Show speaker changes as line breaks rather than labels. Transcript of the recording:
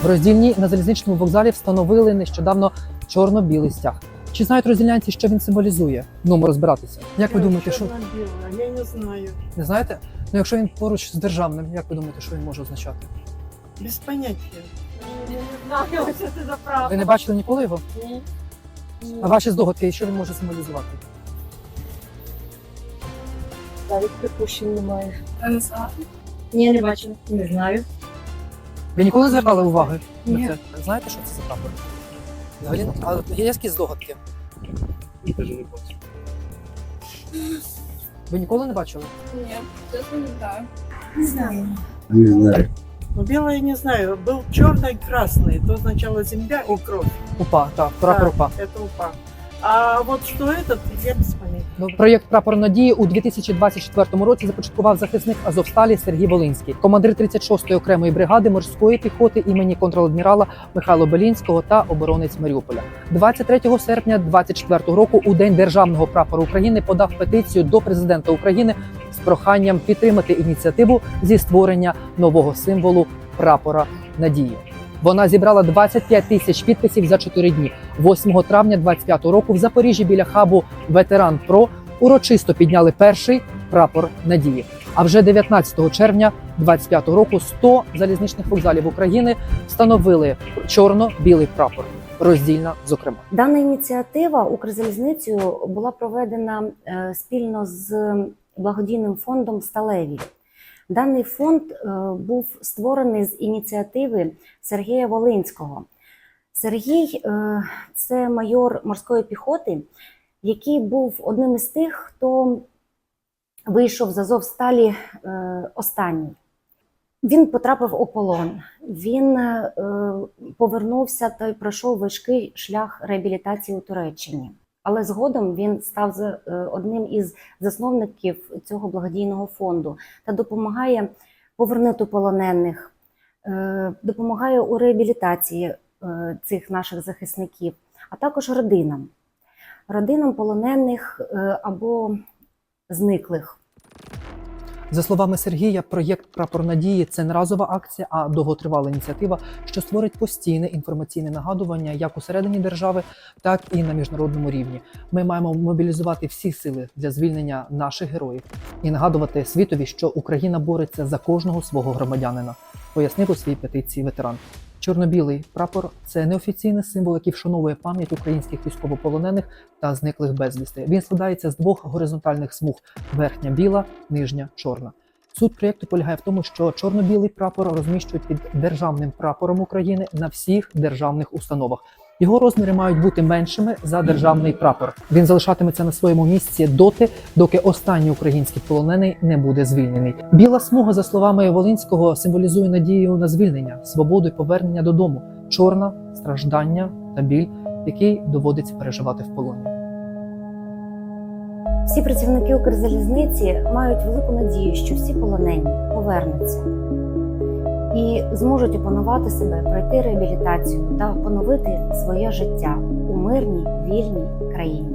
В Роздільні на залізничному вокзалі встановили нещодавно чорно-білий стяг. Чи знають роздільнянці, що він символізує? Ну, ми розбиратися. Як ви думаєте, що...
Я не знаю.
Не знаєте? Ну, якщо він поруч з державним, як ви думаєте, що він може означати?
Без поняття.
Не знаю, що це за правда.
Ви не бачили ніколи його?
Ні.
А ваші здогадки, що він може символізувати?
Навіть припущень немає. Не знаю. Ні, не бачила. Не знаю.
Ви ніколи не звертали уваги
Ні.
на це? Знаєте, що це за прапор? Взагалі, а є якісь здогадки? Ви ніколи не бачили?
Ні, чесно не знаю.
Не знаю.
Не знаю.
Ну, белое не знаю. Был черный и красный. То означало земля и кровь.
УПА, так, прапор УПА.
Это упа. А вот что этот, я без понятия.
Ну, проєкт «Прапор надії» у 2024 році започаткував захисник Азовсталі Сергій Волинський, командир 36-ї окремої бригади морської піхоти імені контр-адмірала Михайла Белінського та оборонець Маріуполя. 23 серпня 2024 року у День Державного прапору України подав петицію до президента України з проханням підтримати ініціативу зі створення нового символу прапора надії. Вона зібрала 25 тисяч підписів за 4 дні. 8 травня 2025 року в Запоріжжі біля хабу «Ветеран Про» урочисто підняли перший прапор надії. А вже 19 червня 2025 року 100 залізничних вокзалів України встановили чорно-білий прапор. Роздільна, зокрема.
Дана ініціатива Укрзалізницею була проведена спільно з благодійним фондом «Сталеві». Даний фонд був створений з ініціативи Сергія Волинського. Сергій – це майор морської піхоти, який був одним із тих, хто вийшов з Азовсталі останній. Він потрапив у полон, він повернувся та й пройшов важкий шлях реабілітації у Туреччині. Але згодом він став одним із засновників цього благодійного фонду та допомагає повернути полонених, допомагає у реабілітації цих наших захисників, а також родинам полонених або зниклих.
За словами Сергія, проєкт «Прапор надії» – це не разова акція, а довготривала ініціатива, що створить постійне інформаційне нагадування як усередині держави, так і на міжнародному рівні. Ми маємо мобілізувати всі сили для звільнення наших героїв і нагадувати світові, що Україна бореться за кожного свого громадянина, пояснив у своїй петиції ветеран. Чорно-білий прапор – це неофіційний символ, який вшановує пам'ять українських військовополонених та зниклих безвісти. Він складається з двох горизонтальних смуг – верхня біла, нижня чорна. Суть проєкту полягає в тому, що чорно-білий прапор розміщують під державним прапором України на всіх державних установах. Його розміри мають бути меншими за державний прапор. Він залишатиметься на своєму місці доти, доки останній український полонений не буде звільнений. Біла смуга, за словами Волинського, символізує надію на звільнення, свободу і повернення додому. Чорна – страждання та біль, який доводиться переживати в полоні.
Всі працівники Укрзалізниці мають велику надію, що всі полонені повернуться і зможуть опанувати себе, пройти реабілітацію та поновити своє життя у мирній, вільній країні.